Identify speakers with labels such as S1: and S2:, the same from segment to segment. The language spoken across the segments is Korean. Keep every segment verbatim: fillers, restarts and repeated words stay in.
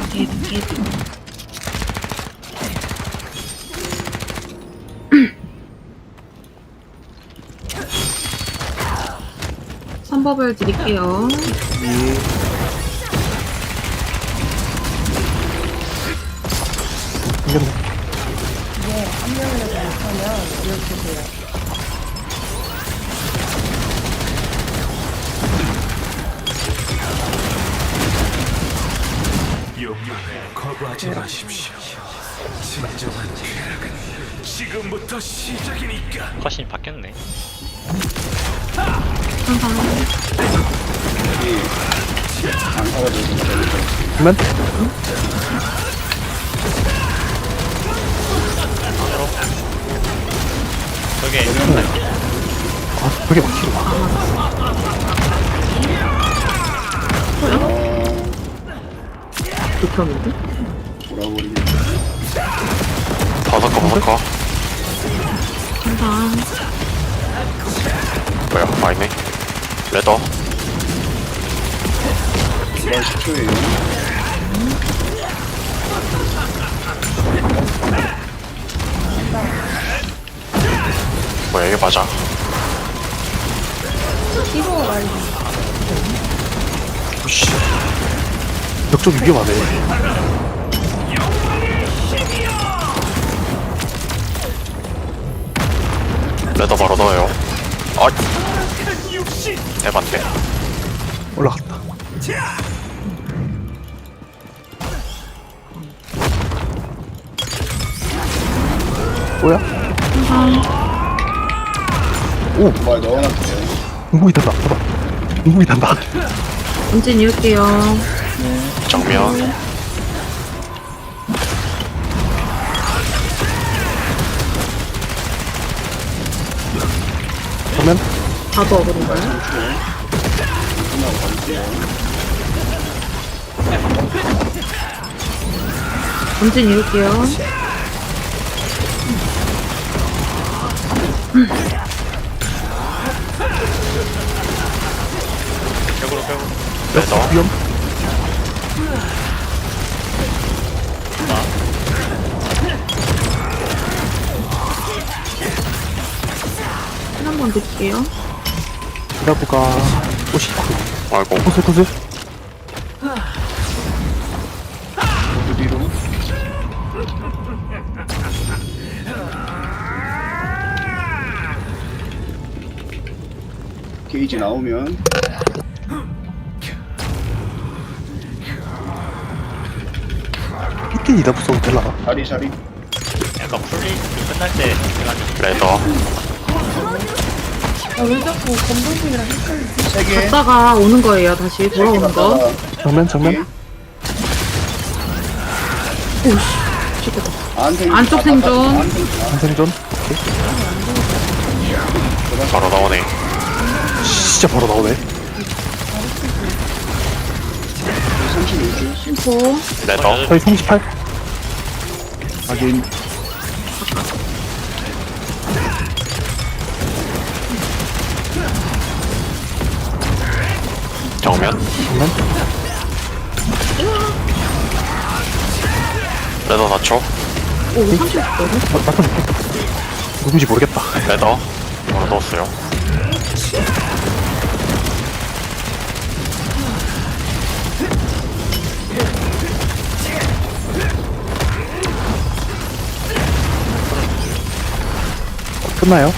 S1: 게이드 게이드. 선법을 드릴게요.
S2: 생겼네.
S3: 이게 한 명이라도 못하면 이렇게 돼요.
S4: 용량을 거부하지 마십시오. 진정한 쾌락은 지금부터 시작이니까.
S5: 컷이 바뀌었네.
S1: 항상
S2: 그러면
S5: 저게
S2: 아 그게 막히로 와.
S1: 극혐인데?
S6: 다섯 거 다섯 거
S1: 항상
S6: 뭐야 아니네 레더 뭐야 이게 맞아
S3: 이거 말이
S6: 푸시
S2: 벽 쪽이 위험하네.
S6: 레더 바로 넣어요 아 에반데
S2: 올라갔다. 뭐야? 오!
S7: 말 넣어놨어요.
S2: 공공이 단다. 봐봐. 공공이 단다.
S1: 언제 이을게요.
S6: 정면
S2: 그러면
S1: 다도 어그린가요? 언제 이을게요.
S5: 벽으로 벽으로.
S6: 레더
S2: 위험.
S1: 힐 한번 드릴게요.
S2: 기다보가 또 시작.
S6: 아이고
S2: 코스 코스.
S7: 모두 뒤로. 게이지 나오면
S2: 히튼 이다부 써도 되나?
S7: 자리 자리.
S5: 약간 풀리 끝날 때 해가지고.
S6: 레더
S3: 아왜 자꾸 검정색이랑 헷갈리지?
S7: 세 개.
S1: 갔다가 오는 거예요. 다시 돌아오는 거.
S2: 정면 정면.
S1: 오씨. 죽겠다.
S7: 안생.
S1: 안쪽 생존.
S2: 한생존.
S6: 바로 나오네
S2: 진짜 바로 나오네.
S7: 삼십일 줄.
S1: 심포.
S6: 레더
S2: 저희 삼십팔.
S7: 확인.
S6: 정면
S2: 정면.
S6: 레더 사 초
S1: 오, 삼십 거든?
S2: 어, 맞춰줄게. 누군지 모르겠다.
S6: 레더 바로 넣었어요
S2: 끝나요?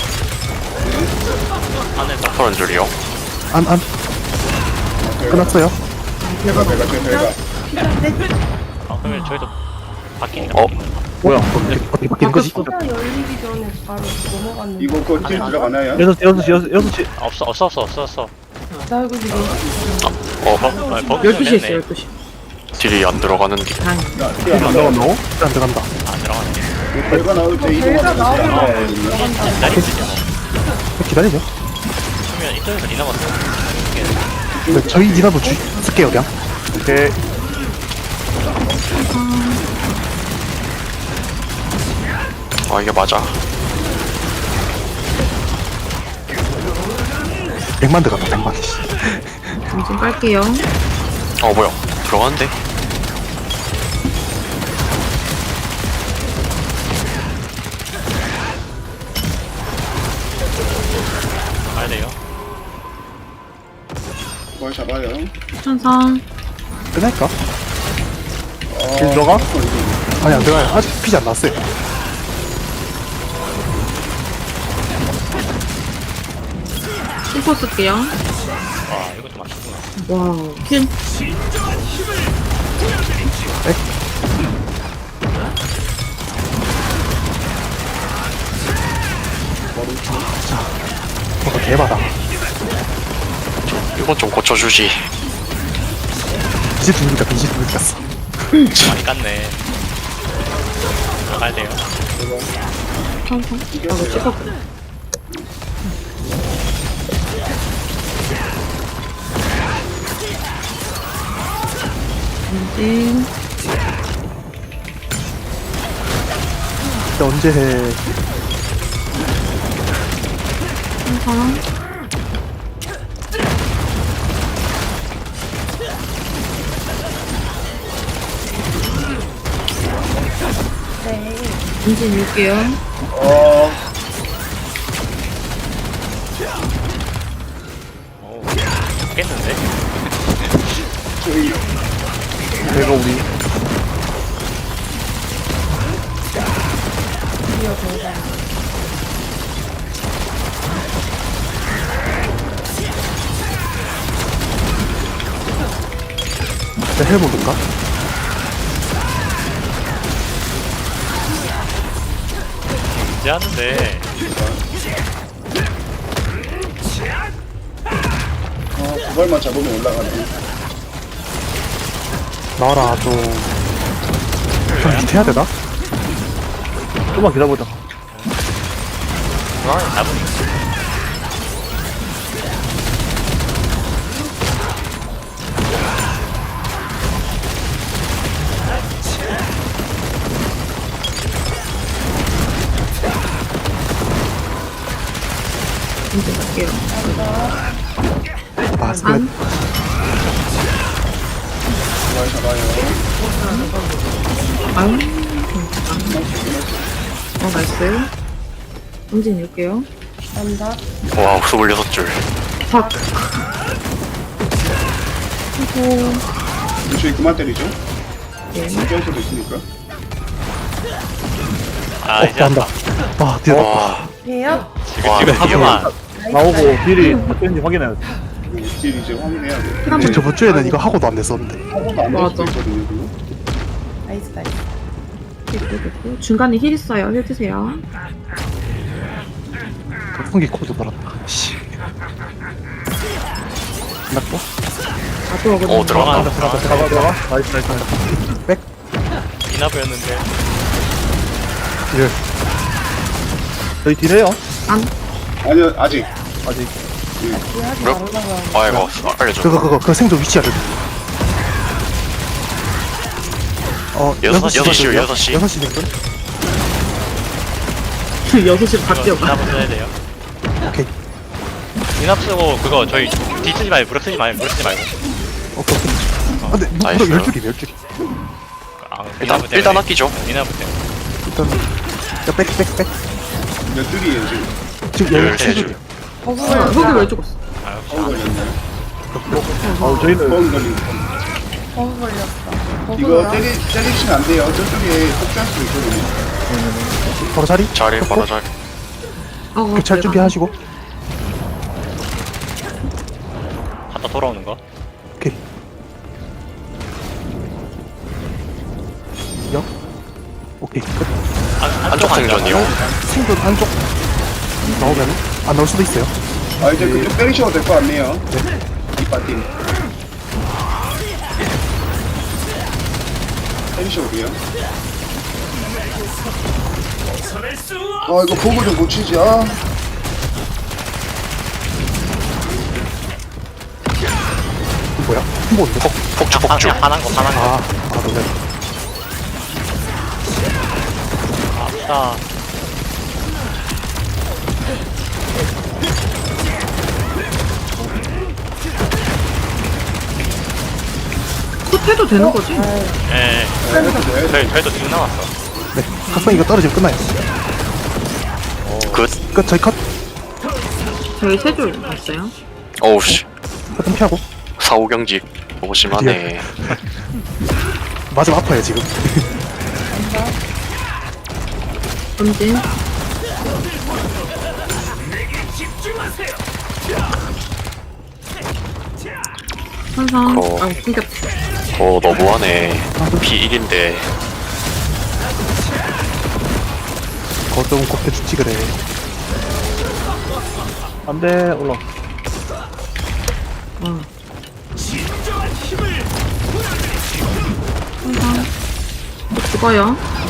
S5: 안에다.
S6: 서른 줄이요
S2: 안 안. 끝났어요.
S7: 배가 배가 제 배가.
S5: 아 그러면 저희도 바뀌니까.
S6: 어?
S5: 바뀌니까.
S2: 뭐야? 어떻게 어떻게 바뀌는 거지?
S1: 바뀌었어.
S3: 시간 열리기 전에 바로 넘어갔는데
S7: 이거 거딜 들어가나요?
S2: 여섯 시 여섯 시 여섯 여섯 시.
S5: 아, 없어 없어 없어 없어 없어.
S3: 나 이거 지금
S6: 어
S5: 아, 버그
S1: 열두 시에
S5: 됐네.
S1: 있어요, 열두 시.
S6: 딜이 안 들어가는 딜
S1: 다행히.
S7: 야,
S2: 안 들어간다고? 안 들어간다.
S5: 안 들어가는 게.
S7: 배가 나올 때
S3: 배가
S7: 이동하면
S3: 나오면
S7: 되거든요.
S5: 기다리시죠.
S2: 기다리죠.
S5: 그러면 이쪽에서 니 남았어.
S2: 네, 저희 니나도 주 쓸게요 그냥. 오케이.
S6: 아 이게 맞아
S2: 백만 들어간다 백만.
S1: 점심 깔게요.
S6: 어 뭐야 들어가는데
S5: 가야 돼요.
S7: 뭘 잡아요?
S1: 천상.
S2: 끝낼까?
S7: 어,
S2: 길 들어가?
S7: 어, 이거.
S2: 아니 안 들어가요. 아직 피지 안 났어요.
S1: 슈퍼 쓸게요.
S5: 와, 이것도 맞추구나.
S1: 와우. 퀸.
S2: 뭔가 개바다.
S6: 이건 좀 고쳐주지.
S2: 이제 두니까 이제 두니까 어
S5: 많이 깠네. 가야 돼요.
S1: 천상. 나도 찍었구나. 엔진.
S2: 근데 언제 해?
S1: 천상.
S3: 네.
S1: 엔진 밀게요.
S7: 어,
S5: 오, 깼는데?
S7: 저기,
S2: 내가 우리
S3: 드디어 등장.
S2: 진짜 해볼까?
S5: 이제 하는데.
S7: 어, 그걸만 잡으면 올라가네.
S2: 나와라 좀. 좀 밑에 해야 되나? 좀만 기다려보자.
S5: 잡으니.
S1: 엔진 갈게요.
S2: 아, 끝.
S1: 안.
S7: 뭘 잡아요?
S1: 아유. 어, 나이스. 엔진 밀게요.
S3: 남자.
S6: 와, 스물여섯 줄.
S1: 삭. 아이고.
S7: 저희 그만 때리죠?
S1: 예.
S7: 깰 수도 있으니까.
S5: 아,
S2: 어,
S5: 이제
S2: 한다.
S5: 한다.
S2: 아, 뒤에
S6: 와,
S3: 해요?
S5: 지금,
S6: 와,
S5: 지금
S6: 드디어.
S5: 하고만.
S2: 나오고 딜이 어땠는지 확인해야 돼.
S7: 그 딜 이제 확인해야 돼.
S1: 그럼
S2: 저 저번 주에는 이거 하고도 안 됐었는데.
S7: 하고도 안 될 수도
S1: 맞아.
S7: 있거든요, 그거.
S3: 나이스, 나이스.
S1: 됐고, 됐고. 중간에 힐 있어요. 힐 드세요.
S2: 풍기 코드 달았다. 씨. 끝났고?
S1: 나도 오거든요.
S6: 오, 들어간다.
S2: 들어가 들어가 들어가. 나이스 나이스 나이스. 백.
S5: 이나보였는데.
S2: 딜. 저희 딜해요.
S1: 안.
S7: 아니요, 아직.
S2: 아직.
S3: 이해하지
S6: 몇?
S3: 말라고.
S6: 아이고, 알려줘.
S2: 그거 그거 그 생존 위치 알려줘. 어
S6: 여섯- 여섯 시요,
S2: 되거든요?
S6: 여섯 시.
S2: 여섯 시 생존.
S1: 여섯 시로 바뀌어가.
S5: 이나보 써야 돼요.
S2: 오케이
S5: 이납 쓰고 그거 저희 뒤 쓰지 말고 무릎 쓰지 말고 무릎 쓰지 말고.
S2: 오케이 오케이. 아 근데 무-
S6: 나이스.
S2: 무려 열 줄이 열 줄이.
S5: 아,
S6: 일단,
S5: 이나보 때문에.
S6: 일단 아끼죠.
S5: 이나보 때문에.
S2: 일단 야백백 백.
S7: 몇 줄이에요, 지금?
S2: 지금
S6: 열
S2: 열세
S6: 세
S2: 줄이야.
S1: 아, 흙이 왜 죽었어?
S5: 아, 역시
S7: 버그
S5: 안
S7: 걸렸네.
S2: 어 저희는
S7: 버그 걸린 거.
S3: 버그 걸렸어. 버그
S7: 이거
S3: 걸려.
S7: 때리, 때리시면 안 돼요. 저쪽에 폭주할 수도 있거든요.
S2: 바로 자리.
S6: 자리, 바로 자리.
S1: 아,
S2: 교찰
S1: 내가-
S2: 준비하시고.
S5: 갔다 돌아오는 거.
S2: 오케이. 역. 오케이 끝.
S5: 안,
S6: 안쪽 생존이요.
S2: 생존 안쪽 나오면 안 나올 수도 있어요.
S7: 아, 이제 그쪽 때리셔도 될 것 같네요. 이 파티. 때리셔도 돼요. 아, 이거 보고 좀 고치지, 아.
S2: 이거 뭐야? 한번인데 어,
S6: 폭주,
S5: 아,
S6: 폭주.
S5: 그냥 화난 거, 화난 거.
S2: 아, 아, 놀래.
S5: 아프다.
S1: 컷해도 되는 거지?
S5: 예, 예. 저희, 저희도 지금 남았어.
S2: 네, 각성 이거 떨어지면 끝나요.
S6: 끝.
S2: 끝, 저희 컷.
S1: 저희 세 줄 봤어요.
S6: 어우 씨
S2: 화등 피하고.
S6: 사후경직 너무 심하네.
S2: 맞으면 아파요, 지금.
S1: 던진. 천상.
S6: 어.
S1: 아, 끊겼어.
S6: 어 너무하네. 피 일인데
S2: 거좀 곱게 죽지, 그래. 안 돼, 올라.
S1: 어. 천상. 뭐 죽어요.